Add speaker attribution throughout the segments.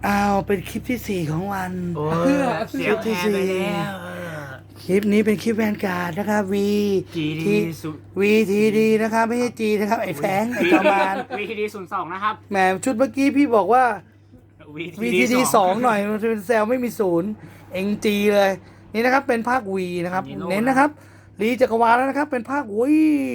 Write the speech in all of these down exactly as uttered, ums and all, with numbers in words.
Speaker 1: อ้าวเป็นคลิปที่สี่ของวัน
Speaker 2: โอ้
Speaker 1: เพื่อ
Speaker 2: เสียง
Speaker 1: ที่
Speaker 2: แทน
Speaker 1: สี่
Speaker 2: ไปแล้ว
Speaker 1: คลิปนี้เป็นคลิปแวนการ์ดนะครับ V
Speaker 2: จี
Speaker 1: T
Speaker 2: ดีสุ
Speaker 1: V T D นะครับไม่ใช่ G นะครับไอ้แฟงไอ้จอมาน
Speaker 2: วีทีดีศูนย์สองนะครับ
Speaker 1: แหมชุดเมื่อกี้พี่บอกว่า V T D สองหน่อยมันเป็นเซลไม่มีศูนย์เอ็งจีเลยนี่นะครับเป็นภาค V นะครับเน้นนะครับรีจักรวาลแล้วนะครับเป็นภาค V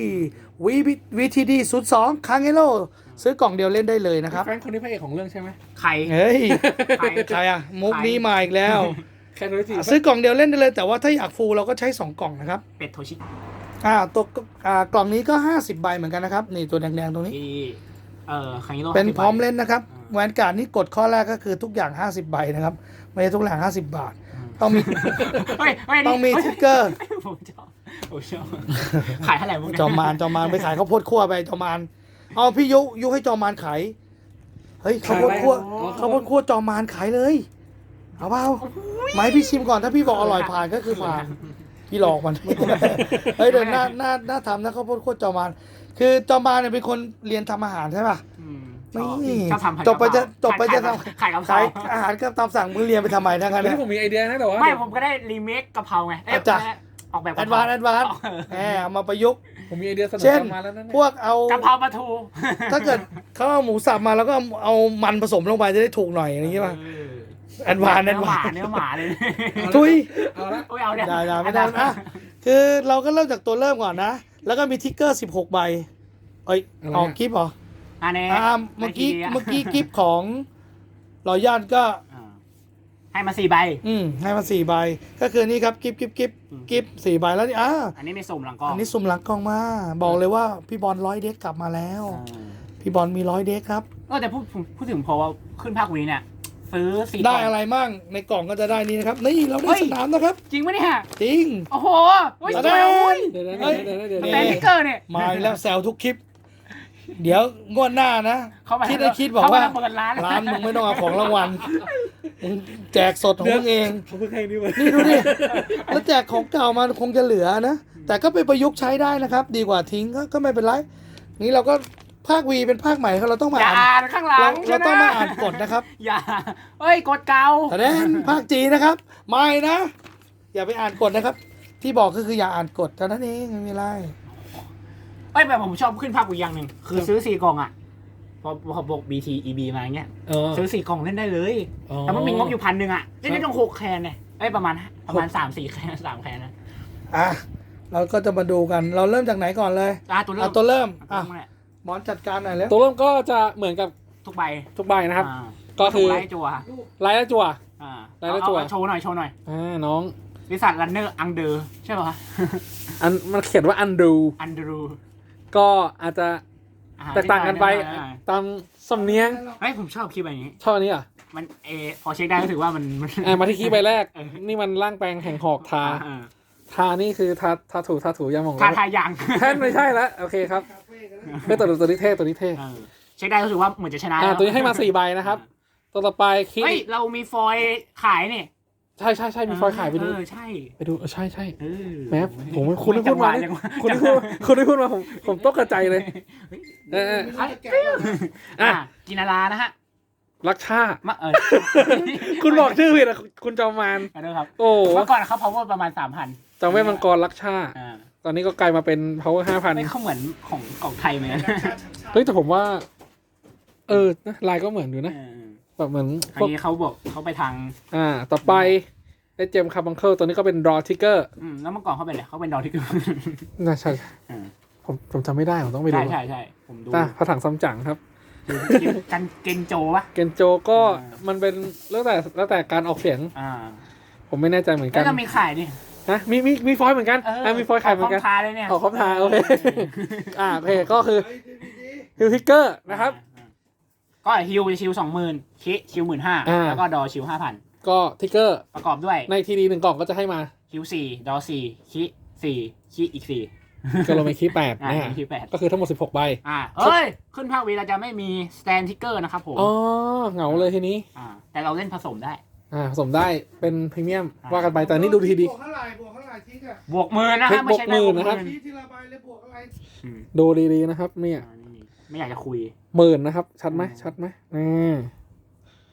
Speaker 1: V V T D ศูนย์สองคางเอโร่ซื้อกล่องเดียวเล่นได้เลยนะครับ
Speaker 3: แฟนคนนี้พระเอกของเรื่องใช่ไหม
Speaker 2: ใคร
Speaker 1: เฮ้ย
Speaker 2: ใคร
Speaker 1: ใครอะมุกนี้มาอีกแล้ว
Speaker 3: แค่รู้จี
Speaker 1: ซื้อกล่องเดียวเล่นได้เลยแต่ว่าถ้าอยากฟูลเราก็ใช้สองกล่องนะครับ
Speaker 2: เป็ดโทชิ
Speaker 1: อ่าตัวอ่ากล่องนี้ก็ห้าสิบใบเหมือนกันนะครับนี่ตัวแดงๆตรงนี้
Speaker 2: ที่เอ่อคังยิโร่
Speaker 1: เป็นพร้อม
Speaker 2: สิบใบ
Speaker 1: เล่นนะครับแวนการ์ดนี่กดข้อแรกก็คือทุกอย่างห้าสิบใบนะครับไม่ใช่ทุกอย่างห้าสิบบาท ต้องมี
Speaker 2: เฮ้ยเฮ้ย
Speaker 1: ต้องมี
Speaker 2: เฮ้ย
Speaker 1: ทิกเกอร์
Speaker 2: ผมชอบผมชอบขายเท่าไหร่พวกนี้
Speaker 1: จอมมานจอมมานไปขายข้าวโพดคั่วไปจอมมานเอาพี่ยุยุให้จอมมานขายเฮ้ยข้าวโพดคั่วข้าวโพดคั่วจอมมานขายเลยเอาเปล่าไหมพี่ชิมก่อนถ้าพี่บอกอร่อยผ่านก็คือผ่านพี่หลอกมัน เฮ้ยเดี๋ยวหน้าหน้าหน้าทำนะข้าวโพดคั่วจอมมานคือจอมมานเนี่ยเป็นคนเรียนทำอาหารใช่ป่ะ
Speaker 2: อืม
Speaker 1: ไม่
Speaker 2: ชอบทำผัด
Speaker 1: จบไปจะ
Speaker 2: กะเพรา
Speaker 1: จบไปจะท
Speaker 2: ขายกะ
Speaker 1: ำ
Speaker 2: เพรา
Speaker 1: ขายอาหารก็ตามสั่งมึงเรียนไปทำไมทั้งนั้น
Speaker 3: ไม่
Speaker 1: เนี่ย
Speaker 3: ผมมีไอเดียนะแต่ว่า
Speaker 2: ไม่
Speaker 3: เดี๋ยว
Speaker 2: ผมก็ได้รีเมคกะเพราไงเอ้ย
Speaker 1: อาจจะ
Speaker 2: ออกแบบ
Speaker 1: แอดวานซ์แอดวานซ์
Speaker 2: เออ
Speaker 1: แหมเอามาประยุกต์
Speaker 3: ผมมีไอเดียเสนอ
Speaker 1: เช่น
Speaker 3: มาแล้วนั่น
Speaker 1: พวกเอา
Speaker 2: กะเพราปลาทู
Speaker 1: ถ้าเกิดเขาเอาหมูสับมาแล้วก็เอามันผสมลงไปจะได้ถูกหน่อยอย่างนี้ป่ะ
Speaker 2: เออ
Speaker 1: แอดวานซ์แอ
Speaker 2: เนื้
Speaker 1: ด
Speaker 2: อห
Speaker 1: วา
Speaker 2: มา
Speaker 1: ซ์
Speaker 2: เนื้อหมาเลย
Speaker 1: ทุย
Speaker 3: เอาละ
Speaker 2: โอ้ยเอาเนี่ย
Speaker 1: ได้ได้ไม่ได้อ่ะคือเราก็เริ่มจากตัวเริ่มก่อนนะ แล้วก็มีทิกเกอร์สิบหกใบเอ้ยออกกิฟต์เหรอ
Speaker 2: อันนี้
Speaker 1: อ่าเมื่อกี้เมื่อกี้กิฟต์ของรอยย่านก็
Speaker 2: อ่าให้มาสี่ใบ
Speaker 1: อืมให้มาสี่ใบ ก็คือนี่ครับกิฟต์กิฟต์กิฟต์กิฟต์สี่ใบแล้วนี่อ่า
Speaker 2: อันนี้ไม่สุ่มหลังกล้อง
Speaker 1: อันนี้สุ่มหลังกล้องมา บอกเลยว่าพี่บอลร้อยเด็กกลับมาแล้ว
Speaker 2: อ่า
Speaker 1: พี่บอลมีร้อยเด็กครับ
Speaker 2: ก็แต่พูดพูดถึงพอว่าขึ้นภาควีเนี่ย ซื้อสี่
Speaker 1: ได้
Speaker 2: กล่ง
Speaker 1: อะไรมั่งในกล่องก็จะได้นี่นะครับ นี่เราได้
Speaker 2: เฮ้ย
Speaker 1: สนามนะครับ
Speaker 2: จริงปะเนี่ย
Speaker 1: จริง
Speaker 2: โอ้โหเฮ้ย
Speaker 1: แส
Speaker 2: ส
Speaker 1: ด
Speaker 2: วย
Speaker 1: ง
Speaker 2: อุ้ย
Speaker 3: เดี๋ยวนะ
Speaker 1: เฮ้ย
Speaker 3: เดี๋ยวนะเดี๋ยว
Speaker 2: แต่
Speaker 3: นะ
Speaker 2: นิกเกอร์เนี่ย
Speaker 1: มาอีกแล้วแซวทุกคลิป เดี๋ยวงวดหน้านะ
Speaker 2: เขามา
Speaker 1: คิดได้คิดบอก
Speaker 2: เขามา
Speaker 1: ว่า
Speaker 2: เปิดร้าน
Speaker 1: ร้านมึงไม่ต้องเอาของรางวัลมึงแจกสดของมึงเอง
Speaker 3: เขาเพิ่งให้นี่มา
Speaker 1: นี่ดูดิ แล้วแจกของเก่ามาคงจะเหลือนะ แต่ก็ไปประยุกต์ใช้ได้นะครับ ดีกว่าทิ้งก็ก็ไม่เป็นไร นี่เราก็ภาควีเป็นภาคใหม่เราต้องมา
Speaker 2: อย่า
Speaker 1: อ่าน
Speaker 2: อ่านข้างหลั
Speaker 1: เรา
Speaker 2: ง
Speaker 1: เราต้องมาอ่านกฎนะครับ
Speaker 2: อย่าเอ้ยกดเก่า
Speaker 1: แต่แน่นภาคจีนนะครับ ไม่นะ อย่าไปอ่านกฎนะครับ ที่บอกก็คืออย่าอ่านกฎเท่านั้นเองไม่มีไร
Speaker 2: เอ้ยแบบผมชอบขึ้นภาควีอย่างหนึ่งคือซื้อสี่กล่องอ่ะพอพอบอก บี ที อี บี มาเงี้ย
Speaker 3: เออ
Speaker 2: ซื้อสี่กล่องเล่นได้เลย
Speaker 3: อ๋อ
Speaker 2: แต่มันมีงบอยู่พันหนึ่งอ่ะเล่นได้ต้องหกแคนเนี่ยเอ้ยประมาณประมาณสามสี่แคนสามแคนนะ
Speaker 1: อ่ะเราก็จะมาดูกัน เราเริ่มจากไหนก่อนเลย
Speaker 2: อ่ะตัวเริ่
Speaker 1: เอา
Speaker 2: ม
Speaker 1: ตัวเริ่ม
Speaker 2: อ่ะ
Speaker 1: อ่ะหมอนจัดการหน่อยแล้ว
Speaker 3: ตัวเริ่มก็จะเหมือนกับ
Speaker 2: ทุกใบ
Speaker 3: ทุกใบนะครับ
Speaker 2: อ่า
Speaker 3: ก็คือ
Speaker 2: ไล่จัว
Speaker 3: ไลท์และจั่ว
Speaker 2: อ่า
Speaker 3: ไล่แล้วจั่ว
Speaker 2: เอาเอาโชว์หน่อยโชว์หน่อย
Speaker 3: อ่าน้อง
Speaker 2: บริษัทรันเนอร์อังเดอร์ใช่ป่ะ
Speaker 3: อันมันเขียนว่าอันดู
Speaker 2: อันเดอรู
Speaker 3: ก็อาจจะแตกต่างกันไปตามสำเนียง
Speaker 2: เฮ้ยผมชอบคลิปแบบนี้
Speaker 3: ชอบอันนี้อ่ะ
Speaker 2: มันเออพอเช็คได้ก็ถือว่ามันมัน
Speaker 3: อ่ามาที่คีย์ใบแรก
Speaker 2: เออ
Speaker 3: นี่มันร่างแปลงแห่งหอกทา
Speaker 2: อ่า
Speaker 3: ทานี่คือทาทาถูทาถูยาหมอง
Speaker 2: ทาทายัง
Speaker 3: แท่นไม่ใช่แล้วโอเคครับไม่ตัวตัวนี้เท่ตัวนี้เท่
Speaker 2: เออเช็คได้ก็ถือว่าเหมือนจะชนะ
Speaker 3: อ่า
Speaker 2: แล้ว
Speaker 3: ตัวนี้ให้มาสี่ใบนะครับ ตัวต่อไปคิ
Speaker 2: เฮ้ยเรามีฟอยล์ขายนี่
Speaker 3: ใช่ใช่ใช่มีฟอยล์ขายไปดู
Speaker 2: เออใช่
Speaker 3: ไปดูเออใช่ใช่
Speaker 2: เออ
Speaker 3: แม้ผมคุณได้พูดมา
Speaker 2: จังหวะ
Speaker 3: คุณได้พูดคุณได้พูดมาผมผมตกกระใจเลยเออเออ
Speaker 2: อ่ะ
Speaker 3: อ่ะ
Speaker 2: อ่ะกินารานะฮะ
Speaker 3: รักชา
Speaker 2: มาเออ
Speaker 3: คุณบอกชื่อผิดอ่ะคุณจอมมาน
Speaker 2: ขอโทษครับ
Speaker 3: โอ้
Speaker 2: เมื่อก่อนเขา power ประมาณสามพัน
Speaker 3: จอมเวทมังกรรักชา
Speaker 2: อ่า
Speaker 3: ตอนนี้ก็กลายมาเป็น power ห้าพัน
Speaker 2: ไม่เขาเหมือนของของไทยเหมือนกัน
Speaker 3: เฮ้ยแต่ผมว่า เออนะลายก็เหมือนอยู่นะ
Speaker 2: เออ
Speaker 3: แบบเหมือน
Speaker 2: อั
Speaker 3: พวก
Speaker 2: นนี้เขาบอกเขาไปทาง
Speaker 3: อ่า ต่อไปไอ้เจมคาร์บังเคิลตัวนี้ก็เป็น draw trigger
Speaker 2: อืมแล้วเมื่อก่อนเขาเป็นอะไรเขาเป็นดอที่คือ
Speaker 3: น่าใช่
Speaker 2: อ่า
Speaker 3: ผมผมจำไม่ได้ผมต้องไปดู
Speaker 2: ใช่ใช่ใช่ผมดู
Speaker 3: อ่ะพระถังซัมจั๋งครับ
Speaker 2: กันเกนโจปะ
Speaker 3: เกนโจก็
Speaker 2: อ่ามั
Speaker 3: มันเป็นแล้วแต่แล้วแต่การออกเสียง
Speaker 2: อ่า
Speaker 3: ผมไม่แน่ใจเหมือนกั
Speaker 2: แล้ว
Speaker 3: น
Speaker 2: ก็มีขายดิ
Speaker 3: นะมีมีมีฟอยล์เหมือนกันอ่ะมีฟอยล์ขายเหมือนกัน
Speaker 2: ขงทาเลยเนี่ย
Speaker 3: ออกครบทางโอเคอ่าโอเคก็คือฮิลทิกเกอร์นะครับ
Speaker 2: อ่าก็ฮิวจะชิวสองหมื่นคิชิวหมื่นห้า
Speaker 3: อ่า
Speaker 2: แล้วก็ดอชิวห้าพัน
Speaker 3: ก็ทิกเกอร์
Speaker 2: ประกอบด้วย
Speaker 3: ในทีดีหนึ่งกล่องก็จะให้มา
Speaker 2: ฮิวสี่ดอสี่คิสี่คิอีกสี่
Speaker 3: ก็ลงไปคีย์แปด
Speaker 2: อ่า
Speaker 3: นะฮะ
Speaker 2: คิวแปด
Speaker 3: ก็คือทั้งหมดสิบหกใบ
Speaker 2: อ่าเอ้ย ขึ้นภาควีเราจะไม่มีสแตนทิกเกอร์นะครับผม
Speaker 3: อ๋อเหงาเลยทีนี้
Speaker 2: อ่าแต่เราเล่นผสมได้
Speaker 3: อ่าผสมได้เป็นพรีเมียม
Speaker 2: อ่า
Speaker 3: ว่ากันไปแต่นี่ดูทีดี
Speaker 1: บวกเท่าไหร่บวกเท่าไหร่ทิ้งอะ
Speaker 2: บวกหมื่นนะ
Speaker 3: เท
Speaker 2: ฮะ
Speaker 3: ค
Speaker 2: ไม่ใช่ได้
Speaker 3: บ
Speaker 2: บ
Speaker 3: ว
Speaker 2: ว
Speaker 3: ก
Speaker 2: ก
Speaker 3: หมื่นนะครับ
Speaker 2: หมื่น
Speaker 1: ทีทีละใบเลยบวกอะไร
Speaker 2: อืม
Speaker 3: ดูดีๆนะครับเนี่ย
Speaker 2: อ่านี่ไม่อยากจะคุย
Speaker 3: หมื่นนะครับ ชัดไหม
Speaker 2: อืม
Speaker 3: ชัดไหมอ่า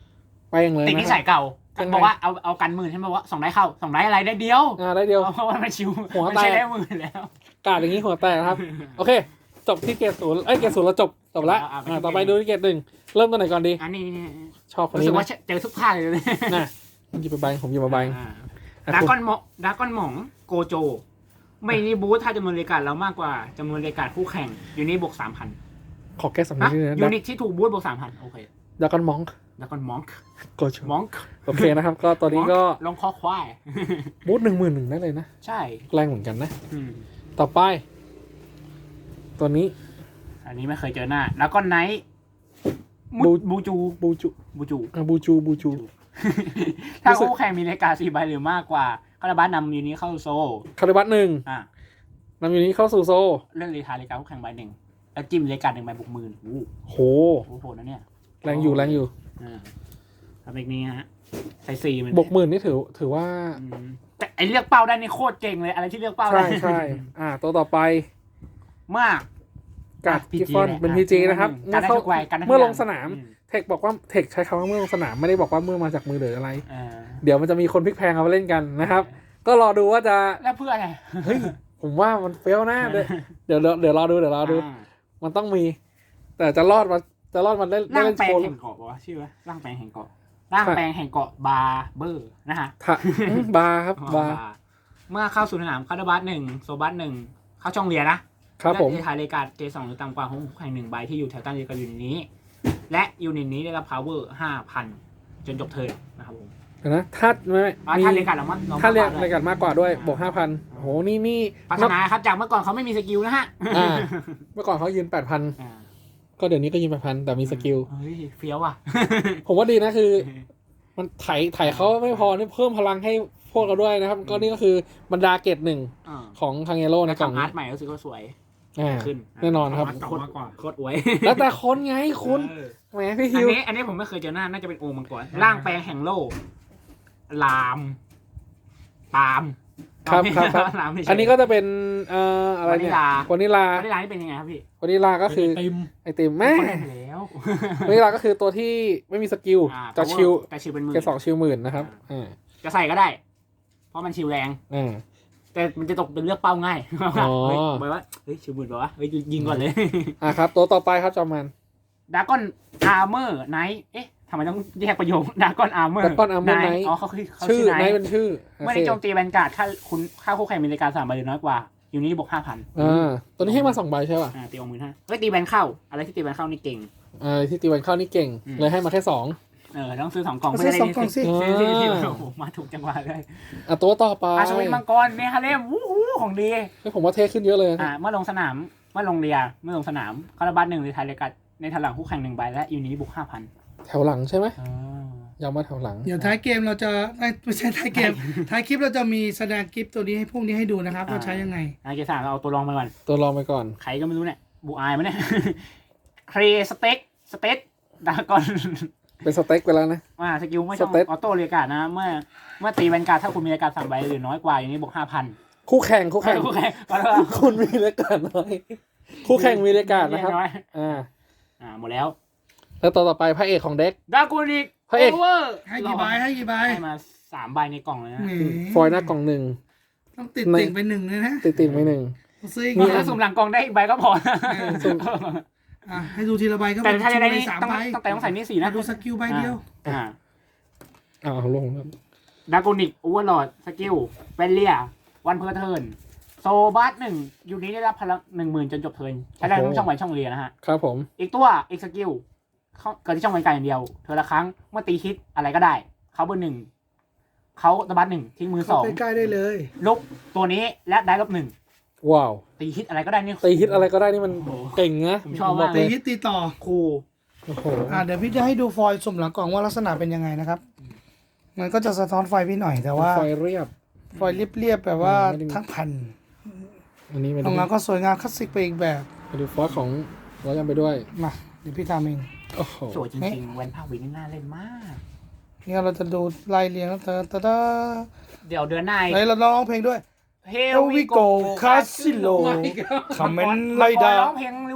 Speaker 3: แป้งเลย
Speaker 2: ติดนิ
Speaker 3: นะ
Speaker 2: สัยเก่า
Speaker 3: ยังไง
Speaker 2: บอกว่าเอาเอากันหมื่นใช่ไหมว่าสองได้เข้าสองได้อะไรได้เดียว
Speaker 3: อ่าได้เดียว
Speaker 2: เพราะว่ามันชิว
Speaker 3: หัว
Speaker 2: มัน
Speaker 3: แตก
Speaker 2: ใช้ได้หมื่นแล้ว
Speaker 3: กาดอย่างนี้หัวแตกครับ โอเค จบที่เกรดศูนย์เอ้ยเกรดศูนย์เราจบจบละ
Speaker 2: อ่า
Speaker 3: อ่าต่อไปดูที่เกรดหนึ่งเริ่มตัวไหนก่อนดี
Speaker 2: อันนี้นี่
Speaker 3: ชอบคน
Speaker 2: รู้
Speaker 3: นี้
Speaker 2: สึกว่า
Speaker 3: นะ
Speaker 2: เจอทุกภาคเลยนะ
Speaker 3: น่ะหยิบไปใบผมหยิบมาใบ
Speaker 2: ดากอนหมองดากอนหมองโกโจ ไม่นี่บูธถ้าจำนวนรายการเรามากกว่าจำนวนรายการคู่แข่งยูนิตบวกสามพัน
Speaker 3: ขอแก้สำเนีย
Speaker 2: นะ
Speaker 3: งนิดนึง
Speaker 2: ยู
Speaker 3: นะ
Speaker 2: นิตที่ถูกบูธบวกสามพันโอเค
Speaker 3: ดากอนมอง
Speaker 2: ดากอนมอง
Speaker 3: โกช
Speaker 2: มอง
Speaker 3: โอเคนะครับ ก็ตอนนี้ก็
Speaker 2: ลองคอควาย
Speaker 3: บูธหนึ่งหมื่นหนึ่งได้เลยนะ
Speaker 2: ใช่
Speaker 3: แรงเหมือนกันนะ
Speaker 2: อืม
Speaker 3: ต่อไป ตัวนี้
Speaker 2: อันนี้ไม่เคยเจอหน้าดากอนไนท์มุ
Speaker 3: บู
Speaker 2: ดบูจู
Speaker 3: บูจู
Speaker 2: บูจู
Speaker 3: อ่ะบูจูบูจู
Speaker 2: ถ้า
Speaker 3: รู้สึก
Speaker 2: คู่แข่งมีรายการสี่ใบหรือมากกว่าคาราบัสนำยูนิตเข้าโซ
Speaker 3: คาริบัตหนึ่ง
Speaker 2: อ่ะ
Speaker 3: นำอยู่นี้เข้าสู่โซ
Speaker 2: เรื่องรีทายรายการคู่แข่งใบหนึ่งแล้วจิ้มรายการหนึ่งใบบวกหมื่นโอ้
Speaker 3: โห
Speaker 2: โหโหดนะเนี่ย
Speaker 3: แรงอยู่แรงอยู่
Speaker 2: อ่าทำแบบนี้ฮะใส่สี่มัน
Speaker 3: บวกหมื่นนี่ถือถือว่า
Speaker 2: อืมแต่ไอเลือกเป้าได้นี่โคตรเก่งเลยอะไรที่เลือกเป้า
Speaker 3: ใช่
Speaker 2: ได้
Speaker 3: ใช่อ่า ตัวต่อไป
Speaker 2: มาก
Speaker 3: กาด
Speaker 2: อ่ะ
Speaker 3: กิฟฟอน
Speaker 2: พี จี
Speaker 3: เป็นพีจีนะครับ
Speaker 2: การได้
Speaker 3: เข้า
Speaker 2: ทุกวัยการได้ทุก
Speaker 3: เมื่อลง
Speaker 2: ย่า
Speaker 3: สนาม
Speaker 2: อื
Speaker 3: เทคบอกว่าเทคใช้คำว่าเมื่อลงสนามไม่ได้บอกว่าเมื่อมาจากมือหรืออะไร
Speaker 2: อ่า
Speaker 3: เดี๋ยวมันจะมีคนพลิกแพลงเอาไปเล่นกันนะครับ ก็รอดูว่าจะ
Speaker 2: แล้วเพื่ออะไร
Speaker 3: เฮ้ย ผมว่ามันเฟลนะเดี๋ยวเดี๋ยวเดี๋ยวรอดูเดี๋ยวรอดู
Speaker 2: อ่า
Speaker 3: มันต้องมี แต่จะรอดมาจะรอดมาเล่น
Speaker 2: ร่าง
Speaker 3: เล่น
Speaker 2: แปล
Speaker 3: โช
Speaker 2: ง
Speaker 3: ว์
Speaker 2: แห่งเกาะวะชื่อวะร่างแปลงแห่งเกาะร่างแปลงแห่งเกาะบาร์เบอร์นะฮะ
Speaker 3: ถ้าอืมบาร์ครับบาร์
Speaker 2: เมื่อเข้าสู่สนามคาร์ดบัสหนึ่งโซบัสหนึ่งเข้าช่องเรียนนะครับ
Speaker 3: ผม
Speaker 2: เลือกที่ทายรายการเจสองหรือต่ำกว่าของคู่แข่งหนึ่งใบที่อยู่แถวตั้งเรียนกับยูนิตนี้ และยูนิตนี้ได้รับ power ห้าพันจนจบเทิร์นนะครับผม
Speaker 3: เดี๋ยวนะถ้าไม่
Speaker 2: อ่า
Speaker 3: มี
Speaker 2: ถ้ารายการเรามัน
Speaker 3: ถ้าเรียกรายการมากกว่าด้วยบวกห้าพันโอ้โหนี่นี่
Speaker 2: พัฒนาครับจากเมื่อก่อนเขาไม่มีสกิลนะฮะ
Speaker 3: อ่า เมื่อก่อนเขายืนแปดพัน
Speaker 2: อ่า
Speaker 3: ก็เดี๋ยวนี้ก็ยืนแปดพันแต่มีสกิล
Speaker 2: เฮ้ยเฟี้ยวอ่ะ
Speaker 3: ผมว่าดีนะคือ มันไถไถเขาไม่พอนี่เพิ่มพลังให้พวกเราด้วยนะครับ ก็นี่ก็คือบรรดาเกตหนึ่ง
Speaker 2: อ่า
Speaker 3: ของทางเอโร่ในกล่อง
Speaker 2: ทำอา
Speaker 3: นี้
Speaker 2: ร์ตใหม่รู้สึกว่าสวย
Speaker 3: อ่า
Speaker 2: ขึ้น
Speaker 3: แน่นอนครับ
Speaker 2: โคตรโคตรอวย
Speaker 3: แล้วแต่คนไงคุณ
Speaker 2: เออ
Speaker 3: แหมพี่
Speaker 2: อั
Speaker 3: ฮิ
Speaker 2: น
Speaker 3: ว
Speaker 2: นี้อันนี้ผมไม่เคยเจอหน้าน่าจะเป็นโอมังกรร่างแปลงแห่งโลกลามปาล์ม
Speaker 3: ครับครับครับ
Speaker 2: ลามไม่ใช่
Speaker 3: อันนี้ก็จะเป็นเอ่ออะไรเนี่ยว
Speaker 2: านิลา
Speaker 3: วานิลาว
Speaker 2: านิลานี่เป็นยังไงครับพี่
Speaker 3: วานิลาก็คือ
Speaker 1: ติม
Speaker 3: ไอติมแม่
Speaker 2: เขาเล่นไปแล้ว
Speaker 3: วานิลาก็คือตัวที่ไม่มีสกิล
Speaker 2: อ่า
Speaker 3: จะชิล
Speaker 2: แต่ชิลเป็นหมื่น
Speaker 3: แค่สองชิลหมื่นนะครับอ่า
Speaker 2: จะใส่ก็ได้ เพราะมันชิลแรง
Speaker 3: อ่า
Speaker 2: แต่มันจะตกเป็นเลือกเป้าง่าย
Speaker 3: อ๋อ
Speaker 2: เฮ้ยบอกว่าเฮ้ยชิลหมื่นบอกว่าเฮ้ยยิงก่อนเลย
Speaker 3: อ่าครับตัวต่อไปครับจอมมัน
Speaker 2: ดากอนอาร์เมอร์ไนท์เอ๊ะทำไมต้องแยกประโยคดากอนอาร์เมอร์
Speaker 3: Dragon Armor Knight
Speaker 2: อ๋อเขาคือเขา
Speaker 3: ชื่อ
Speaker 2: ชื่อ
Speaker 3: ไน
Speaker 2: ไน
Speaker 3: ท์
Speaker 2: ท์
Speaker 3: เป็นชื่อ
Speaker 2: เมื่อได้โจมตีแวนการ์ดค่าคุณค่าคู่แข่งมีรายการสามใบหรือน้อยกว่าอยู่นี่บวกห้าพัน
Speaker 3: อ่าตัวนี้ให้มาสองใบใช่ป่ะ
Speaker 2: อ่าตีออกหมื่นห้าเฮ้ยตีแวนเข้า อะไรที่ตีแวนเข้านี่เก่ง
Speaker 3: อ่าที่ตีวันเข้านี่เก่ง
Speaker 2: อืม
Speaker 3: เลยให้มาแค่สอง
Speaker 2: เออต้องซื้อสองกล่อง
Speaker 1: ซื้อสองกล่องสิ
Speaker 2: ซื้อซื้อซื้อโอ้โหมาถูกจังหวะเลย
Speaker 3: อ่ะตัวต่อไป
Speaker 2: อาชวินมังกรเมฮาเลมวู้ฮู้ของดี
Speaker 3: เฮ้ยผมว่าเท่ขึ้นเยอะเลย
Speaker 2: อ่าเมื่อลงสนามเมื่อลงเรียเมื่อลงสนามคาราบัสหนึ่งในไทยรายการในทางหลังคู่แข่งหนึ่งใบและยูนิตบวกห้าพัน
Speaker 3: แถวหลังใช่ไหมย้ำว่าแถวหลัง
Speaker 1: เดี๋ยวท้ายเกมเราจะเอ้ยไม่ใช่ท้ายเกม ท้ายคลิปเราจะมีแสดงคลิปตัวนี้ให้พวกนี้ให้ดูนะครับว่าใช้ยังไง
Speaker 2: อาเกสามเราเอาตัวรองไปก่อน
Speaker 3: ตัวรองไปก่อน
Speaker 2: ใครก็ไม่รู้เนี่ยบูอายมั้ยเนี่ย เครสเต็กสเต็กดากอน
Speaker 3: เป็นสเต็กไปแล้วนะ
Speaker 2: อ่าสกิลไม่ช่อง
Speaker 3: สเต็ก
Speaker 2: ออโต้เรียกการ์ดนะเมื่อเมื่อตีแวนการ์ดถ้าคุณมีรายการสามใบหรือน้อยกว่าอย่างนี้บวกห้าพัน
Speaker 3: คู่แข่งคู่แข่ง
Speaker 2: คู่แข่งขอโทษ
Speaker 3: คุณมีรายการน้อยคู่แข่งมีรายการนะครับ
Speaker 2: อย
Speaker 3: อ่า
Speaker 2: อ่าหมดแล้ว
Speaker 3: แล้วตัวต่อไปพระเอกของเด็ก
Speaker 2: ดากูนิก
Speaker 3: พระเอก
Speaker 2: โอเวอร์
Speaker 1: ให้กี่ใบให้กี่ใบ
Speaker 2: ให้มาสามใบในกล่องเลยนะ
Speaker 1: แหม
Speaker 3: ฟอยล์หน้ากล่องหนึ่ง
Speaker 1: ต้องติด
Speaker 3: ใน
Speaker 1: ติ่งไปหนึ่งเลยนะ
Speaker 3: ติดติดๆไปหนึ่ง
Speaker 1: ซื้ออีก
Speaker 2: มี
Speaker 1: หน่อย
Speaker 2: ถ้าสุ่มหลังกล่องได้อีกใบก็พอ
Speaker 3: สุ่ม
Speaker 1: อ่ะให้ดูทีละใบก็
Speaker 2: แต่ถ้าจะได้
Speaker 1: ชิ
Speaker 2: นี่
Speaker 1: วๆสาม
Speaker 2: ต้อง
Speaker 1: ใบ
Speaker 2: ต้องแต่ต้องใส่นี่สี่นะ
Speaker 1: ดูสกิลใบเดียว
Speaker 2: อ่า
Speaker 3: อ้าวลงครับ
Speaker 2: ดากูนิกโอเวอร์ลอดสกิลเวลเลียวันเพอร์เทิร์นโซบัสหนึ่งยูนี้ได้รับพลังหนึ่งหมื่นจนจบเทิร์นใช้ได้ทั้งช่องไหวช่องเรียนะฮะ
Speaker 3: ครับผม
Speaker 2: อีกตัวอีกสกิลเขาเกิดที่ช่องบรรยากาศอย่างเดียวเธอละครั้งเมื่อตีฮิตอะไรก็ได้ เขาเบอร์หนึ่งเขาตะบัสหนึ่งทิ้งมือส
Speaker 1: เข้า
Speaker 2: อง
Speaker 1: ใกล้ๆได้เลย
Speaker 2: ลบตัวนี้และได้ลบหนึ่ง
Speaker 3: ว้าว
Speaker 2: ตีฮิตอะไรก็ได้นี่
Speaker 3: ตีฮิตอะไรก็ได้นี่มันเก่งนะ
Speaker 2: ผมชอบมาก
Speaker 3: เล
Speaker 1: ตี
Speaker 3: ย
Speaker 1: ฮิตตีต่อ
Speaker 2: ครู
Speaker 3: โอ้โห
Speaker 1: อ่ะเดี๋ยวพี่จะให้ดูฟอยล์สุ่มหลังกล่องว่าลักษณะเป็นยังไงนะครับ มันก็จะสะท้อนไฟพี่หน่อยแต่ว่า
Speaker 3: ไฟเรียบ
Speaker 1: ฟอยล์เรียบๆแบบว่า
Speaker 3: ไม่ได้มี
Speaker 1: ทั้งแผ่น
Speaker 3: อันนี้ไม่
Speaker 1: ข
Speaker 3: ได้
Speaker 1: องเราก็สวยงามคลาสสิกไปอีกแบบ
Speaker 3: ไปดูฟอสของร้อยกันไปด้วย
Speaker 1: มาเดี๋ยวพี่ทำเอง
Speaker 3: โอ้โห
Speaker 2: สวยจริงๆแวนภาควินนี่น่าเล่นมาก
Speaker 1: นี่เราจะดูไล่เรียงแล้วเตอตะตะ
Speaker 2: เดี๋ยวเดือนหน้า
Speaker 1: ไหนเราร้องเพลงด้วย
Speaker 2: เฮ
Speaker 1: Here we go Casino คอมเมนต์ไล่ดา
Speaker 2: ร้องเพลงริว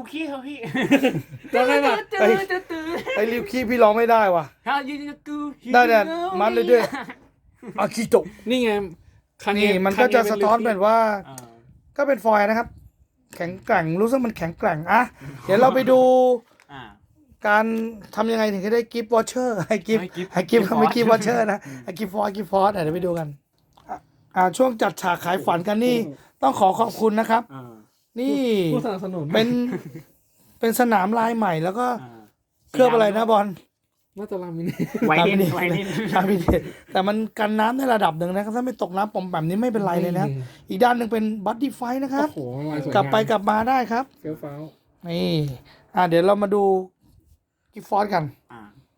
Speaker 2: คีเถอะพี่
Speaker 3: จำได้ปะ
Speaker 1: ไอ้ไอ้ริวคีพี่ร้องไม่ได้ว่ะ
Speaker 2: ถ้ายืนกู
Speaker 1: ได้แต่มันเลยด้วยอากิโตะ
Speaker 3: นี่ไงคังเง
Speaker 1: นี่มันก็จะสะท้อนแบบว่า
Speaker 2: อ่า
Speaker 1: ก็เป็นฟอยล์นะครับ แข็งแกร่งรู้สึกมันแข็งแกร่งอ่ะเดี๋ยวเราไปดู
Speaker 2: อ่า
Speaker 1: การทำยังไงถึงจะได้กิฟต์วอเชอร์ให้กิฟต์
Speaker 2: ให้ gift
Speaker 1: ให้กิฟต์
Speaker 2: gift
Speaker 1: ไม่กิฟต์วอ
Speaker 2: force
Speaker 1: เชอร์นะให้กิฟต์ฟอร์กิฟต์ฟอร์เดี๋ยวไปดูกันอ่ะอ่าช่วงจัดฉากขายฝันกันนี่ต้องขอขอบคุณนะครับ
Speaker 2: อ่า
Speaker 1: นี่
Speaker 3: ผู้สนับสนุน
Speaker 1: เป็นเป็นสนามลายใหม่แล้วก็
Speaker 2: อ่า
Speaker 1: เคลือบอะไรนะบอล
Speaker 3: น่าจะรามิน
Speaker 2: ไวนิน
Speaker 1: รามิ
Speaker 2: ไวนิน
Speaker 1: รามิเนตแต่มันกันน้ำในระดับหนึ่งนะครับถ้าไม่ตกน้ำปอมแบบนี้ไม่เป็นไรเลยนะอีกด้านหนึ่งเป็นบัตตี้ไฟนะครับ
Speaker 3: โอ้โหลายสวย
Speaker 1: กลับไปกลับมาได้ครับ
Speaker 3: เฟี้ยวฟ้าว
Speaker 1: นี่อ่ะเดี๋ยวเรามาดูกิฟต์ฟอร์กัน
Speaker 2: อ่า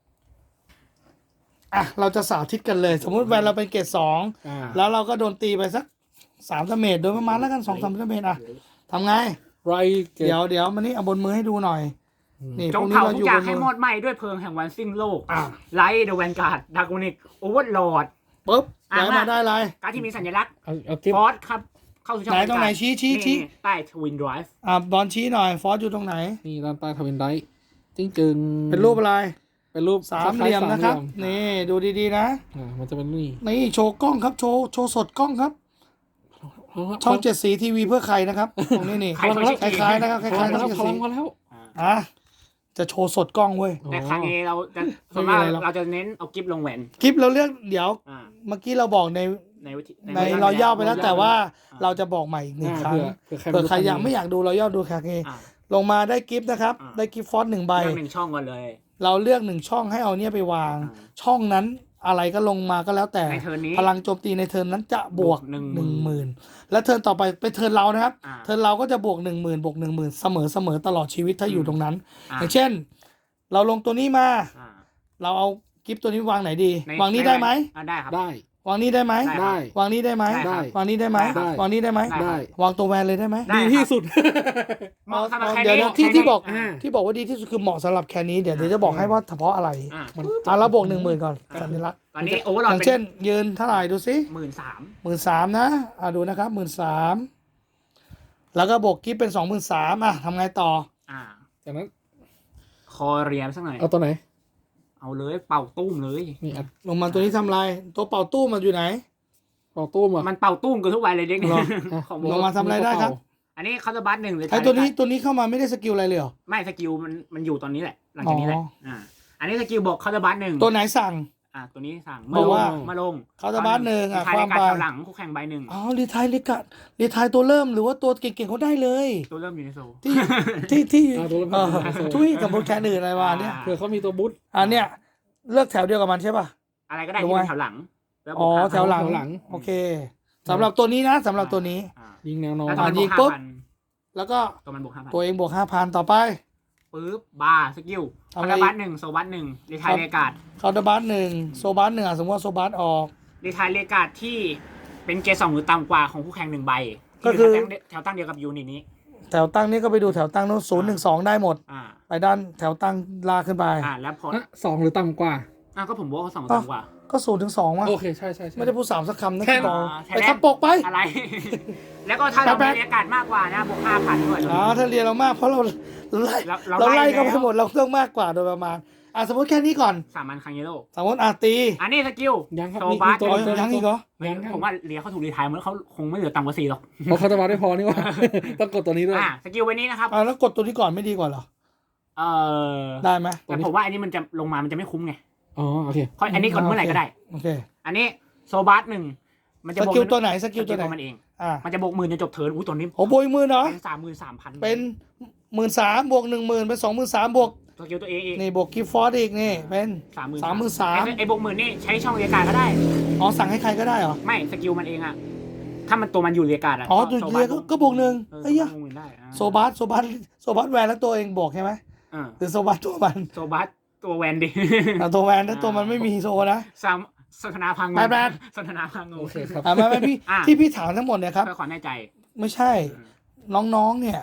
Speaker 1: อ่ะเราจะสาธิตกันเลย สมมุติแวนเราเป็นเกรดสอง
Speaker 3: อ่า
Speaker 1: แล้วเราก็โดนตีไปสักสามดาเมจโดยประมาณแล้วกันสองสามดาเมจอ่ะทำไง
Speaker 3: ไรเกต
Speaker 1: เดี๋ยวเดี๋ยวมันนี่เอาบนมือให้ดูหน่อย นี่
Speaker 2: จ
Speaker 1: พ
Speaker 2: ง
Speaker 1: วกนี้
Speaker 2: เผา
Speaker 1: เรา
Speaker 2: ทุ
Speaker 1: อก ยู่
Speaker 2: อย่าง
Speaker 1: บน
Speaker 2: ให้
Speaker 1: มื
Speaker 2: หม
Speaker 1: อ
Speaker 2: ดไหม้ด้วยเพลิงแห่งวันสิ้นโลก
Speaker 1: อ่ะ
Speaker 2: ไลท์เดอะแวนการ์ดดากอนิกโอเวอร์ลอร์ด
Speaker 1: ปุ๊บ
Speaker 2: อ่ะ
Speaker 1: ไหน
Speaker 2: มา
Speaker 1: มาได้อะไร
Speaker 2: การ์ดที่มีสัญลักษณ์
Speaker 3: เอาเอากิฟ
Speaker 2: ฟอสครับ เข้าสู่ช่อง
Speaker 1: ไหนตรงไหนชี้ชี้ชี้
Speaker 2: นี่ใต้ทวินไดรฟ์
Speaker 1: อ่ะบอลชี้หน่อย ฟอสอยู่ตรงไหน
Speaker 3: นี่ด้านใต้ทวินไดจริงจึง
Speaker 1: เป็นรูปอะไร
Speaker 3: เป็นรูป
Speaker 1: สามเหลี่ยมนะครับ
Speaker 3: สามเหลี่ยม
Speaker 1: นี่ดูดีๆนะ
Speaker 3: อ่ามันจะเป็นนี่
Speaker 1: นี่โชว์กล้องครับ โชว์โชว์สดกล้องครับ ช่องเจ็ดสีทีวีเพื่อใครนะครับ ตรงนี้นี่
Speaker 2: ใครเขาชื่อ
Speaker 1: คล้ายๆนะครับค
Speaker 3: พลั
Speaker 1: ล้าย
Speaker 3: ง
Speaker 1: ๆ
Speaker 3: มา
Speaker 1: ช่
Speaker 3: แล้
Speaker 1: อ
Speaker 3: ว
Speaker 1: งเจ็ดสี
Speaker 3: พลังมาแล้ว
Speaker 1: อ่ะจะโชว์สดกล้องเว้ย
Speaker 2: แต่ครั้งนี้เราจะ
Speaker 1: ไม่
Speaker 2: ส่วน
Speaker 1: มี
Speaker 2: มาก
Speaker 1: อะไรหรอก
Speaker 2: เราจะเน้นเอากิฟต์ลงแหวน
Speaker 1: คลิปเราเลือกเดี๋ยว
Speaker 2: อ่า
Speaker 1: เมื่อกี้เราบอกใน
Speaker 2: ในวิธี
Speaker 1: ใน
Speaker 2: วิธี
Speaker 1: รอยย่อไปแล้ว
Speaker 2: รอย
Speaker 1: แต่ว่า
Speaker 2: อ่า
Speaker 1: เราจะบอกใหม่อีกหนึ่ง
Speaker 3: อ่า
Speaker 1: ครั้ง
Speaker 3: เผื่อ
Speaker 1: เผื่อใคร
Speaker 3: รู้
Speaker 1: อยากไม่อยากดูรอยย่อดูคาเก
Speaker 2: อ่า
Speaker 1: ลงมาได้กิฟต์นะครับ
Speaker 2: อ่า
Speaker 1: ได้กิฟต์ฟอนต์หนึ่งใบ
Speaker 2: เลือกหนึ่งช่องก่อนเลย
Speaker 1: เราเลือกหนึ่งช่องให้เอาเนี่ยไปวาง
Speaker 2: อ่า
Speaker 1: ช่องนั้นอะไรก็ลงมาก็แล้วแต่
Speaker 2: ในเทิร์นนี้
Speaker 1: พลังโจมตีในเทิร์นนั้นจะบวก
Speaker 2: บวกหนึ่ง
Speaker 1: หนึ่งหมื่นและเทิร์นต่อไปเป็นเทิร์นเรานะครับ
Speaker 2: อ่า
Speaker 1: เทิร์นเราก็จะบวกหนึ่งหมื่นบวกหนึ่งหมื่นเสมอเสมอตลอดชีวิตถ้าอยู่ตรงนั้น
Speaker 2: อ่า
Speaker 1: อย่างเช่น เราลงตัวนี้มา
Speaker 2: อ่า
Speaker 1: เราเอากิฟต์ตัวนี้วางไหนดี
Speaker 2: ใน
Speaker 1: วางนี้ได้ไหม
Speaker 2: อ่าได้ครับ
Speaker 3: ได้
Speaker 1: วางนี้ได้ไหม
Speaker 2: ได้
Speaker 3: ได้
Speaker 1: วางนี้ได้ไหม
Speaker 2: ได้
Speaker 1: วางนี้ได้ไหม
Speaker 2: ได้
Speaker 1: วางนี้ได้ไหม
Speaker 2: ได้
Speaker 3: ได้
Speaker 1: วางตัวแวนเลยได้ไหม
Speaker 2: ได้
Speaker 3: ดีที่สุด
Speaker 2: เหมาะสำหรับแค่
Speaker 1: เดี๋ยว
Speaker 2: นี้
Speaker 1: นะที่ที่บอก
Speaker 3: อ่า
Speaker 1: ที่บอกว่าดีที่สุดคือเหมาะสำหรับแค่นี้เดี๋ยวเดี๋ยวจะบอกให้ว่าเฉพาะอะไร
Speaker 2: อ่า
Speaker 3: มัน
Speaker 1: อ่ะเราบวกหนึ่งหมื่นก่อนสัญลักษณ์
Speaker 2: ตอนนี้โอเวอร์ล
Speaker 1: อ
Speaker 2: อด
Speaker 1: ย่าง
Speaker 2: เป็น
Speaker 1: เช่น ยืนเท่าไหร่ดูสิ
Speaker 2: หมื่นสาม
Speaker 1: หมื่นสามนะอ่ะดูนะครับหมื่นสามแล้วก็บวกกิฟต์เป็นสองหมื่นสามอ่ะทำไงต่อ
Speaker 2: อ่า
Speaker 3: จากนั้น
Speaker 2: คอเรียมสักหน่อย
Speaker 3: เอาตัวไหน
Speaker 2: เอาเลยเป่าตุ้มเลย
Speaker 3: นี่อัด
Speaker 1: ลงมาตัวนี้ทำอะไรตัวเป่าตู้มันอยู่ไหน
Speaker 3: เป่าตู้มอ่ะ
Speaker 2: มันเป่าตุ้มกันทุกวันเลยเด็กเนี่ย
Speaker 1: หรอ
Speaker 2: ของ
Speaker 1: ลงมาทำอะไรได้ครับ
Speaker 2: อันนี้เขาจะบัสหนึ่งเลย
Speaker 1: ไอ้ตัวนี้ตัวนี้เข้ามาไม่ได้สกิลอะไรเลยเหรอ
Speaker 2: ไม่สกิลมันมันอยู่ตอนนี้แหละ หลังจากนี้แหละ
Speaker 1: อ๋ออ่
Speaker 2: อ่า อันนี้สกิลบอกเขาจะบัสหนึ่ง
Speaker 1: ตัวไหนสั่ง
Speaker 2: อ่าตัวนี้สั่ง
Speaker 1: บ
Speaker 2: มา
Speaker 1: อก
Speaker 2: ล
Speaker 1: ว่า
Speaker 2: งมาลง
Speaker 1: เขาจะบัสหนึ่งอ่ะ
Speaker 2: ใช้
Speaker 1: ค
Speaker 2: ใน
Speaker 1: วาม
Speaker 2: การ
Speaker 1: ไป
Speaker 2: แถวหลังคู่แข่งใบหนึ่ง
Speaker 1: อ๋อรีไทายลิกะรีไทายตัวเริ่มหรือว่าตัวเก่งๆเขาได้เลย
Speaker 2: ตัวเริ่มอยู่ในโซล
Speaker 1: ที่ที่ที่
Speaker 3: อ่าตัว
Speaker 1: เออ
Speaker 3: ละ
Speaker 1: ทุยกับโปรแกรมอื่นอะไรวะเนี่ย
Speaker 2: อ่า
Speaker 3: เผื่อเขามีตัวบุ๊ท
Speaker 1: อันเนี้ยเลือกแถวเดียวกับมันใช่ป่ะ
Speaker 2: อะไรก็ได้
Speaker 1: รู้
Speaker 2: ที่
Speaker 1: ไหม
Speaker 2: เป็นแถวหลังแล้วบ
Speaker 1: อ๋
Speaker 2: ว
Speaker 1: อก
Speaker 2: ห้า
Speaker 1: แถวหลัง
Speaker 3: แถวหลัง
Speaker 1: โอเคสำหรับตัวนี้นะสำหรับตัวนี้
Speaker 2: อ่า
Speaker 3: ยิงแนวนอน
Speaker 2: แล้วตัวมัน
Speaker 1: ยิ
Speaker 2: บว
Speaker 1: ง
Speaker 2: ก
Speaker 1: ปุ๊
Speaker 2: ห้า
Speaker 1: บ
Speaker 2: พัน
Speaker 1: แล้วก็
Speaker 2: ตัวมันบวกห้าพัน
Speaker 1: ตัวเองบวกห้าพันต่อไป
Speaker 2: ปึ๊บบาร์สกิล
Speaker 1: ทำ
Speaker 2: คา
Speaker 1: อะไร
Speaker 2: ราบัสหนึ่งโซบัสหนึ่งรีไทายเรกาด
Speaker 1: คาร์ดบัสหนึ่งโซบัสหนึ่งอ่ะสมมติว่าโซบัสออก
Speaker 2: รีไทายเรกาดที่เป็นเกรดสองหรือต่ำกว่าของคู่แข่งหนึ่งใบ
Speaker 1: ก็คือ
Speaker 2: ที่ยู่แถวตั้งเดียวกับยูนิตนี้
Speaker 1: แถวตั้งนี่ก็ไปดูแถวตั้งโน้นศูนย์หนึ่งสองได้หมด
Speaker 2: อ่า
Speaker 1: ไปด้านแถวตั้งลากขึ้นไป
Speaker 2: อ่าแล้วพอ
Speaker 3: อ่ะสองหรือต่ำกว่า
Speaker 2: อ่าก็ผมบอกว่าสอง
Speaker 1: อ๋อ
Speaker 2: ต่ำกว่า
Speaker 1: ก็ศูนย์ถึงสองว่ะ
Speaker 3: โอเคใช่ใช่ใช่
Speaker 1: ไม่ได้พูดสามสักคำนะ
Speaker 3: แค่
Speaker 1: ต่อ
Speaker 2: อ่าแค่
Speaker 1: ไป
Speaker 2: นั้น
Speaker 1: ทับปกไป
Speaker 2: อะไร แล้วก็ถ้าเรา
Speaker 1: แป๊
Speaker 2: มี
Speaker 1: บๆ
Speaker 2: เรกาดมากกว่านะบวกห้าพันด้วย
Speaker 1: อ๋อถ้าเรียนเรามากเพราะเราเราไล่
Speaker 2: เราเรา
Speaker 1: เราไล่
Speaker 2: ไล่
Speaker 1: ก็ไป
Speaker 2: แล้ว
Speaker 1: หมดเราต้องมากกว่าโดยประมาณอ่ะสมมติแค่นี้ก่อน
Speaker 2: สามพันคังเยโร่
Speaker 1: สมมติอาตี
Speaker 2: อันนี้สกิล
Speaker 3: ยังครับ
Speaker 2: โซ
Speaker 3: มี
Speaker 2: บั
Speaker 3: มี
Speaker 2: ส
Speaker 3: ตัว
Speaker 1: อ๋อ
Speaker 3: ตัว
Speaker 1: ยังอีกเหรอ
Speaker 2: ไม่ผมว่าเรียเขาถูกรีไทายมันเขาคงไม่เหลือต่ำกว่าสี่หรอก
Speaker 3: เพราะเขาจะมาได้พอนี่ว่า ต้องกดตัวนี้ด้วย
Speaker 2: อ่าสกิลไว้นี้นะครับ
Speaker 1: อ่ะแล้วกดตัวนี้ก่อนไม่ดีกว่าเหรอ
Speaker 2: เออ
Speaker 1: ได้ไหม
Speaker 2: แต่ผมว่าอันนี้มันจะลงมามันจะไม่คุ้มไง
Speaker 3: อ๋อโอเค
Speaker 2: เพราะอันนี้กดเมื่อไหร่ก็ได้
Speaker 1: โอเค
Speaker 2: อันนี้โซบัสหนึ่งมันจะ
Speaker 1: ส
Speaker 2: บวก
Speaker 1: กิลตัวไหนส
Speaker 2: ส
Speaker 1: กิลตัวไหน
Speaker 2: มันเอง
Speaker 1: อ่ะ
Speaker 2: มันจะบวกหมื่นจนจบเทิร์นอู้ตัวนี้
Speaker 1: โอ้โบยหมื่นเหรอ
Speaker 2: เป็นสามหมื่นสามพัน
Speaker 1: เป็นหมื่นสามบวกหนึ่งหมื่นเป็นสองหมื่นสามบวก
Speaker 2: สกิลตัวเองอีก
Speaker 1: นี่บวกกิฟต์ฟอร์ดอีกนี่เป็น
Speaker 2: สามหมื่น
Speaker 1: สามหมื่นสาม
Speaker 2: ไอ้บวกหมื่นนี่ใช้ช่องเรียกการดก็ได้
Speaker 1: อ๋อสั่งให้ใครก็ได้เหรอ
Speaker 2: ไม่สกิลมันเองอะถ้ามันตัวมันอยู่เรียกการดอะ
Speaker 1: อ๋อ
Speaker 2: ก็
Speaker 1: ดู
Speaker 2: โซ
Speaker 1: เรียก็ก็บวกหนึ่ง
Speaker 2: เออ
Speaker 1: เอ้ย
Speaker 2: โซ
Speaker 1: ยะ
Speaker 2: บัสบวกหมื่นได้อ่า
Speaker 1: โซบัสโซบัสโซบัสแวนแล้วตัวเองบวกใช่ไหม
Speaker 2: เออ
Speaker 1: หรือโซบัสตัวมัน
Speaker 2: โซบัสตัวแวนดิ
Speaker 1: อ่ะตัวแวนแล้วตัวมันไม่มีโซนะ
Speaker 2: สามสนทนาพังง
Speaker 1: แบน
Speaker 2: สนทนาพังง
Speaker 3: โอเคครับ
Speaker 1: อ่ะไม่ไม่พี่
Speaker 2: อ่ะ
Speaker 1: ที่พี่ถามทั้งหมดเนี่ยครับ
Speaker 2: เพื่อความแน่ใจ
Speaker 1: ไม่ใช่น้องๆเนี่ย จ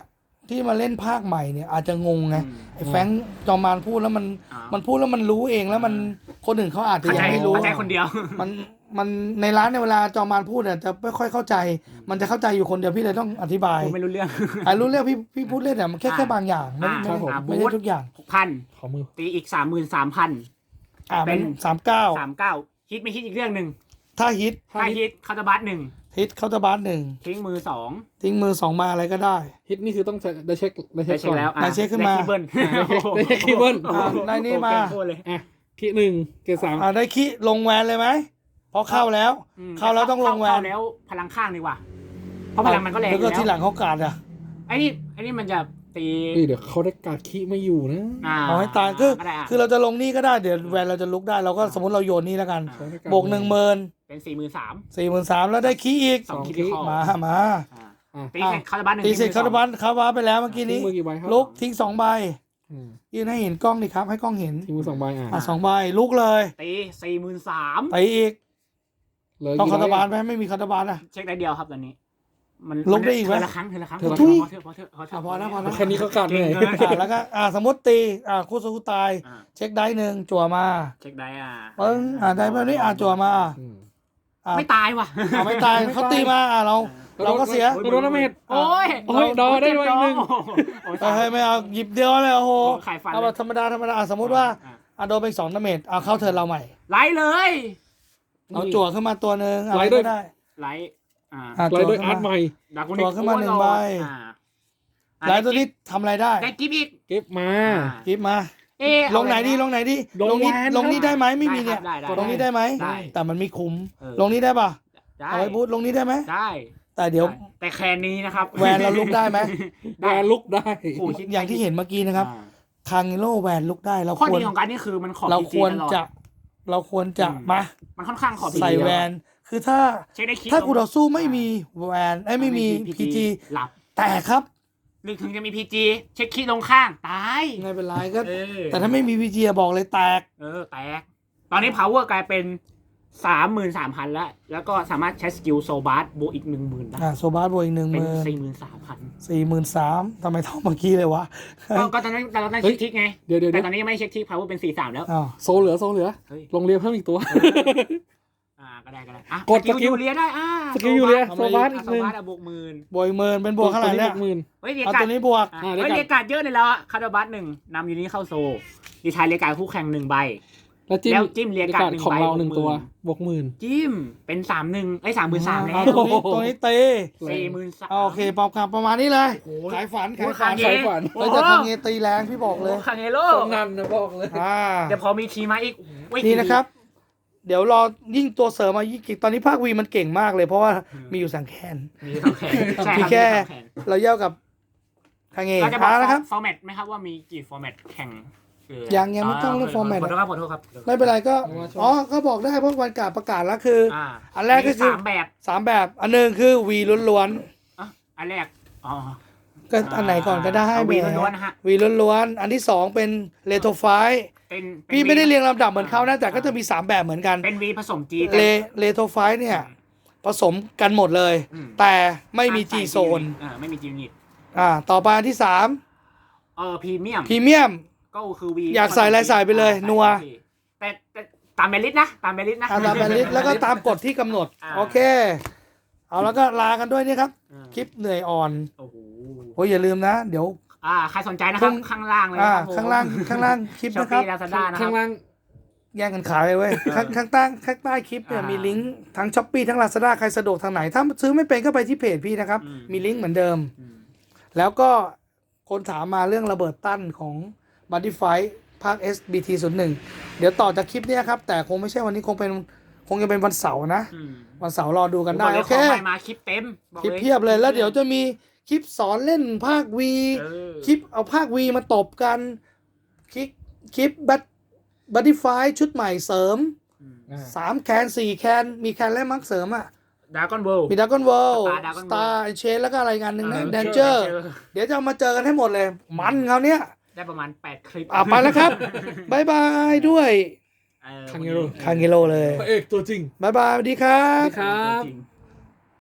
Speaker 1: ที่มาเล่นภาคใหม่เนี่ยอาจจะงงไง
Speaker 2: อืม
Speaker 1: ไอ้แฟรงค์จอมมานพูดแล้วมัน
Speaker 2: อ่ามั
Speaker 1: มันพูดแล้วมันรู้เองแล้วมันคนอื่นเขาอาจจะ
Speaker 2: เข้า
Speaker 1: ยั
Speaker 2: ใจ
Speaker 1: งไม่รู้
Speaker 2: เข้าใจคนเดียว
Speaker 1: มันมันในร้านในยเวลาจอมมานพูดเนี่ยจะไม่ค่อยเข้าใจ มันจะเข้าใจอยู่คนเดียวพี่เลยต้องอธิบาย
Speaker 2: ผมไม่รู้เรื่อง
Speaker 1: อ่ารู้เรื่องพี่พี่พูดเล่นแต่มันแค่
Speaker 2: อ่า
Speaker 1: แค่บางอย่างไม่
Speaker 2: อ่า
Speaker 1: ไม่
Speaker 3: ครับผม
Speaker 1: ไม่ไม่ใช่ทุกอย่าง
Speaker 2: หกพัน
Speaker 3: ขอมือ
Speaker 2: ตีอีกสามหมื่นสามพัน
Speaker 1: อ่า
Speaker 2: เป็
Speaker 1: เป็น นสามเก้า
Speaker 2: สามเก้าฮิตไม่ฮิตอีกเรื่องหนึ่ง
Speaker 1: ถ้าฮิต
Speaker 2: ถ้าฮิตคาร์บัสหนึ่ง
Speaker 1: ฮิตเคาน์เตอร์บาร์หนึ่ง
Speaker 2: ทิ้งมือสอง
Speaker 1: ทิ้งมือสองมาอะไรก็ได้
Speaker 3: ฮิตนี่คือต้องได้เช็คได้เช็
Speaker 2: ได้
Speaker 3: ค
Speaker 2: เช็
Speaker 3: ก่
Speaker 2: ค
Speaker 3: อน
Speaker 2: แล้วอ่ะ
Speaker 1: ได้เช็คขึ้นมา
Speaker 2: ได้คีย์เบิล
Speaker 3: ได้เช็คคีย์เบิล
Speaker 1: อ่ะได้นี่มา
Speaker 2: โอ้โหเก่งโคตรเลย
Speaker 3: อ่ะคีย์หนึ่งเกรดสาม
Speaker 1: อ่าได้คิลงแวนเลยไหมเพราะเข้าแล้ว
Speaker 2: อืม
Speaker 1: เข้าแล้วต้องลงแวน
Speaker 2: เข้าแล้วพลังข้างดีกว่า เพราะพลังมันก็แรงอ
Speaker 1: แล้ว
Speaker 2: ยู่
Speaker 1: ก็
Speaker 2: แล้ว
Speaker 1: ที่หลังเขากาดอ่ะ
Speaker 2: ไอ้นี่ไอ้นี่มันจะตี
Speaker 3: เฮ้ยเดี๋ยวเขาได้การคีย์ไม่อยู่นะ
Speaker 2: อ่า
Speaker 1: เอาให้ตายคือ
Speaker 2: ก็ได้ะ
Speaker 1: คือเราจะลงนี่ก็ได้เดี๋ยวแวนเราจะลุกได้เราก็สมมติเราโยนนี่แล้วกัน
Speaker 3: เขาได้าร
Speaker 1: บวกหนึ่งหมื่น
Speaker 2: เป็นสี่หมื่นสาม
Speaker 1: สี่หมื่นสามแล้วได้คีอีก
Speaker 2: สอง
Speaker 3: สอง
Speaker 2: คิด
Speaker 3: คีย์
Speaker 2: ข้อ
Speaker 1: มามา
Speaker 3: อ่ะ
Speaker 2: ตีเสร็จคาร์บัสหนึ่ง
Speaker 1: ตีเสร็จ
Speaker 2: ทิ้ง
Speaker 1: คา
Speaker 2: มือ
Speaker 1: ร์บันคาร์บาไปแล้วเมื่อกี้
Speaker 3: ทิ้
Speaker 1: นี้
Speaker 3: งมือกี่ใบครับ
Speaker 1: ลุกทิ้งสองใบ
Speaker 3: อืม
Speaker 1: ยืนให้เห็นกล้องดิครับ ให้กล้องเห็น
Speaker 3: ทิ้งมือสองใบอ่ะ
Speaker 1: อ่ะสองใบลุกเลย
Speaker 2: ตีสี่หมื่นสาม
Speaker 1: ไปอีก
Speaker 3: เหลย
Speaker 1: ต้อง
Speaker 3: กี่
Speaker 1: คา
Speaker 3: ใบ
Speaker 1: ร์บานไหมไม่มีคาร์บานอ่ะ
Speaker 2: เช็คได้เดียวครับตอนนี้ มัน
Speaker 1: ลงได้อีกไหม
Speaker 2: เทละครั้งเทละครั้ง
Speaker 3: เทละ
Speaker 1: ครั้ง
Speaker 2: พอเถอะพอเถอะพอเถ
Speaker 1: อ่ะ
Speaker 2: อะ
Speaker 1: พอแล้วพอแล้ว
Speaker 3: แค่นี้ก็กัดเหนื่อย
Speaker 2: เก่งเกิน
Speaker 1: อ่ะแล้วก็อ่ะสมมติตีอ่ะคู่สู้คู่ตาย
Speaker 2: อ่า
Speaker 1: เช็คได้หนึ่งจั่วมา
Speaker 2: เช็คได้อ่ะ
Speaker 1: ปึ้งอ่ะได้แบบนี้อ่ะจั่วมา
Speaker 3: อืม
Speaker 1: อ่ะ
Speaker 2: ไม่ตายว่ะ
Speaker 1: อ่ะไม่ตายเขาตีมาอ่ะเรา เราก็เสีย
Speaker 3: โดนดาเมจ
Speaker 2: โอ้ย
Speaker 3: โอ้ยดอได้ด้วยอีกหนึ่ง
Speaker 2: โอ้ย
Speaker 1: เฮ้ยไม่เอาหยิบเดียวเลยโอ้โห
Speaker 2: ไข่ฟัน
Speaker 1: เอาแบบธรรมดาธรรมดาอ่ะสมมติว่า
Speaker 2: อ่ะ
Speaker 1: อ่ะโดนไปสองดาเมจเอาเข้าเทิร์นเราใหม่
Speaker 2: ไลท์เลย
Speaker 1: เอาจั่วขึ้นมาตัวหนึ่งอะ
Speaker 3: ไล่
Speaker 1: ไร
Speaker 3: ด้
Speaker 1: ก็
Speaker 3: วย
Speaker 1: ได้
Speaker 2: ไลท์อ่า
Speaker 1: อ่ะ
Speaker 3: ไล่
Speaker 1: จั่ว
Speaker 3: ด้วย
Speaker 1: ขึ้น
Speaker 3: อาร์ตให
Speaker 1: มา
Speaker 3: ม่
Speaker 2: ดากุ
Speaker 1: ตัวขึ้นมาหนึ่งใบ
Speaker 2: อ่า
Speaker 1: แล้วตัวนี้ทำอะไรได้
Speaker 2: ได้กิฟต์อีก
Speaker 3: เก็บมา
Speaker 1: คลิปมา
Speaker 2: เอ๊ะ
Speaker 1: ลงไหนดีลงไหนดี
Speaker 3: ลง
Speaker 1: ลงนี้
Speaker 3: แวน
Speaker 1: ลงนี้
Speaker 3: ครับ
Speaker 1: ได้ไหมไม่มีเนี่ย
Speaker 2: ได้ครับ
Speaker 1: ลงนี้ได้ไหม
Speaker 2: ได้
Speaker 1: แต่มันไม่คุ้ม
Speaker 2: เออ
Speaker 1: ลงนี้ได้ปะ
Speaker 2: ได้
Speaker 1: เอาไว้บูทลงนี้ได้ไหม
Speaker 2: ได้
Speaker 1: แต่เดี๋ยว
Speaker 2: แต่แคนนี้นะครับ
Speaker 1: แวนเราลุกได้ไหม
Speaker 3: แวร์ลุกได้
Speaker 2: โอ้ยคิด
Speaker 1: อย่างที่เห็นเมื่อกี้นะครับ
Speaker 2: อ่า
Speaker 1: คางโลแวนลุกได้เรา
Speaker 2: ข้อ
Speaker 1: ควร
Speaker 2: ดีของการนี่คือมันขอ
Speaker 1: เรา
Speaker 2: พี
Speaker 1: ค
Speaker 2: จี
Speaker 1: วร
Speaker 2: ตลอด
Speaker 1: จะ เราควรจะ
Speaker 2: อืม
Speaker 1: มา
Speaker 2: มันค่อนข้างขอ พีจี
Speaker 1: ใส่แวน คือถ้า
Speaker 2: เช็คได้คิด
Speaker 1: ถ้ากูต่อสู้ไม่มีแวนไอ้ยไม่มีพีจี
Speaker 2: หลับ
Speaker 1: แต่ครับ
Speaker 2: หรือถึงจะมีพีจีเช็คคิดลงข้างตาย
Speaker 1: ไม่เป็นไรก็
Speaker 2: เออ
Speaker 1: แต่ถ้าไม่มีพีจีบอกเลยแตก
Speaker 2: เออแตก ตอนนี้ power กลายเป็นสามหมื่นสามพันแล้ว แล้วก็สามารถใช้สกิลโซบาร์บวกอีกหนึ่งหมื่นได้
Speaker 1: อ่ะโซบาสบวกอีกหนึ่งห
Speaker 2: เป็น
Speaker 1: มื่น
Speaker 2: สี่หมื่นสามพัน
Speaker 1: สี่หมื่นสามทำไมเท่าเมื่อกี้เลยวะ
Speaker 2: ก็ก็ตอนนั้นตอนนั้น
Speaker 3: เฮ้
Speaker 2: เช็
Speaker 3: ย
Speaker 2: คทิกไง
Speaker 3: เดี๋ยวเดี๋ยว
Speaker 2: แต่
Speaker 3: เดี๋ยว
Speaker 2: ตอนนี้ยังไม่เช็คทิก power เป็นสี่สามแล้ว
Speaker 1: อ้าว
Speaker 3: โซเหลือโซเหลือ
Speaker 2: เฮ้ย
Speaker 3: ลงเรียเพิ่มอีกตัว
Speaker 2: อ่าก็ได้ก็ได้อ่ะ
Speaker 3: กด
Speaker 2: สกิล
Speaker 3: สกิล
Speaker 2: ยูเรียได้อ่า
Speaker 3: สกิลยูเรีย
Speaker 2: โซ
Speaker 3: โซบาร์
Speaker 2: บาร์
Speaker 3: อีกหนึ่ง
Speaker 2: โซบาร์อะบวกหมื่น
Speaker 1: บวกอีกหมื่นเป็นบวกเท่าไหร่เนี่ย
Speaker 3: ตัวหมื่น
Speaker 2: เฮ้ยเรีย
Speaker 1: เอา
Speaker 2: กา
Speaker 1: ตัวนี้บวก
Speaker 2: อ่ะ
Speaker 3: อ่า
Speaker 2: เฮ้ย
Speaker 3: เรี
Speaker 2: เรี
Speaker 3: ย
Speaker 2: ย
Speaker 3: กา
Speaker 2: กาดเยอะเลยแล้วอะคาร์ดบัสหนึ่งนำยูนี้เข้าโซดีชายเรียกาดคู่แข่งหนึ่งใบ
Speaker 3: แล้วจิ้ม
Speaker 2: แล้วจิ้มเรียกการ์ดหนึ่ง
Speaker 3: ของ
Speaker 2: ใบ
Speaker 3: เรา
Speaker 2: บวก
Speaker 3: หนึ่ง
Speaker 2: หมื่น
Speaker 3: ตัวบวกหมื่น
Speaker 2: จิ้มเป็นสามหนึ่งไอ้สามหมื่นสามแน่
Speaker 1: เอาตัวนี้ตัวนี้เตะ
Speaker 2: สี่หมื่นสาม
Speaker 1: เอาโอเคปรับคำประมาณนี้เลย
Speaker 2: โอ้ย
Speaker 1: ขายฝัน
Speaker 2: โอ้
Speaker 1: ขาย
Speaker 2: ย
Speaker 1: ฝัน
Speaker 2: คาเง
Speaker 3: ใช้ฝัน
Speaker 1: เราจะทำเงตีแรงพี่บอกเลย
Speaker 2: โอ้คาเงโร่
Speaker 3: สนั่นนะบอกเลย
Speaker 1: อ่า
Speaker 2: แต่พอมีทีมาอีกโอ้ย
Speaker 1: นี่นะครับ เดี๋ยวรอยิ่งตัวเสริมมายิ่งเก่งตอนนี้ภาควีมันเก่งมากเลย เพราะว่ามีอยู่สังแคน
Speaker 2: มีสองแขนใช่
Speaker 1: มี
Speaker 2: รับ
Speaker 1: แค่
Speaker 2: มีสองแขน
Speaker 1: เราเย่ากับคางเง
Speaker 2: เราจะบอก
Speaker 1: อ่านะครับ
Speaker 2: ฟอร์แมตไหมครับว่ามีกี่ฟอร์แมตแข่งคือ
Speaker 1: ยังยังไม่ต้องเรื่อง format
Speaker 2: ขอโทษครับขอโทษครับ
Speaker 1: ไม่เป็นไรก็
Speaker 3: เอามาโชว์
Speaker 1: อ๋อก็บอกได้เพราะวันกาประกาศแล้วคือ
Speaker 2: อ่า
Speaker 1: อันแรกก็คือ
Speaker 2: มีสามแบบ
Speaker 1: สามแบบ อันหนึ่งคือวีล้วน
Speaker 2: อ่ะอันแรกอ๋อ
Speaker 1: ๆก็อันไหนก่อนก็ได้
Speaker 2: เอา
Speaker 1: แห
Speaker 2: วี
Speaker 1: ม
Speaker 2: ล้วนๆนะฮะ
Speaker 1: วีล้วนๆอันที่สองเป็นเลโทไฟ
Speaker 2: เป็นเป็น
Speaker 1: พี่ไม่ได้
Speaker 2: วี
Speaker 1: เรียงลำดับเหมือนเขานะแต่ก็จะมีสามแบบเหมือนกัน
Speaker 2: เป็นวีผสมจี
Speaker 1: เลเลโทไฟเนี่ย ผสมกันหมดเลย
Speaker 2: อืม
Speaker 1: แต่ไม่มีจีโซน
Speaker 2: อ่าไม่มีจีนิต
Speaker 1: อ่าต่อไปอันที่สาม
Speaker 2: เออพรีเมียม
Speaker 1: พรีเมียม
Speaker 2: ก็คือวี
Speaker 1: อยากใส่อะไรใส่ไปเลย
Speaker 2: อ่า
Speaker 1: นัว
Speaker 2: ใส่แต่แต่ตามเบลลิสนะ ตามเบลลิสนะ
Speaker 1: ตามแบนลิสแล้วก็ตามกฎที่กำหนด
Speaker 2: อ่า
Speaker 1: โอเค เอาแล้วก็ลากันด้วยนี่ครับ
Speaker 2: อ่า
Speaker 1: คลิปเหนื่อยอ่อน
Speaker 2: โอ้โห
Speaker 1: โอ้ยอย่าลืมนะ เดี๋ยว
Speaker 2: อ่าใครสนใจนะครับ
Speaker 1: พรุ่ง
Speaker 2: ข้างล่างเลย
Speaker 1: อ่า
Speaker 2: นะครับผม
Speaker 1: ข้างล่างข้างล่างคลิป
Speaker 2: ช้อป
Speaker 1: นะครับ
Speaker 2: ปี้ลาซาด้านะครั
Speaker 3: ข้า
Speaker 2: บ
Speaker 3: งล่าง
Speaker 1: แย่งกันขายเลยเว้ยข้างข้างใต้ข้างใต้คลิปเนี่ย
Speaker 2: อ่ามี
Speaker 1: มีลิงก์ทั้งช้อปปี้ทั้งลาซาด้าใครสะดวกทางไหน ถ้าซื้อไม่เป็นก็ไปที่เพจพี่นะครับ
Speaker 2: อืม
Speaker 1: มีลิงก์เหมือนเดิม
Speaker 2: อืม
Speaker 1: แล้วก็คนถามมาเรื่องระเบิดตั้นของ b u d d y Fight ภาค เอส บี ที ศูนย์หนึ่ง เดี๋ยวต่อจากคลิปเนี้ยครับ แต่คงไม่ใช่วันนี้คงเป็นคงจะเป็นวันเสาร์นะ
Speaker 2: อืม
Speaker 1: วันเสาร์รอดูกันได้
Speaker 2: บลย
Speaker 1: โอเค
Speaker 2: ของใหม่มาคลิปเต็มบอก
Speaker 1: คลิปเพียบเลยแล้วเดี๋ยวจะมีคลิปสอนเล่นภาควี
Speaker 2: เออ
Speaker 1: คลิปเอาภาควีมาตบกัน คลิปคลิปบัตบัตตี้ไฟชุดใหม่เสริม
Speaker 2: อืม
Speaker 3: อ่า
Speaker 1: สามแคนสี่แคนมีแคนและมักเสริมอ่ะ
Speaker 2: ดากอนเวิลด์
Speaker 1: มีดักกอนเวิลด์
Speaker 2: Star
Speaker 1: ส
Speaker 2: Dragon
Speaker 1: ตาร์เชนแล้วก็อะไรกันหนึ่งนะ
Speaker 2: เออ
Speaker 1: แดนเจอร์ เดี๋ยวจะเอามาเจอกันให้หมดเลย มันเขาวเนี้ย
Speaker 2: ได้ประมาณแปดคลิป
Speaker 1: อ่ะไปแล้วครับบายบายด้วย
Speaker 2: เออ
Speaker 3: คังเงโร่
Speaker 1: คางเกโลเลย
Speaker 3: พระเอกตัวจริง
Speaker 1: บายบายสวัสดีครับ
Speaker 3: สวัสดีครับ
Speaker 2: จริง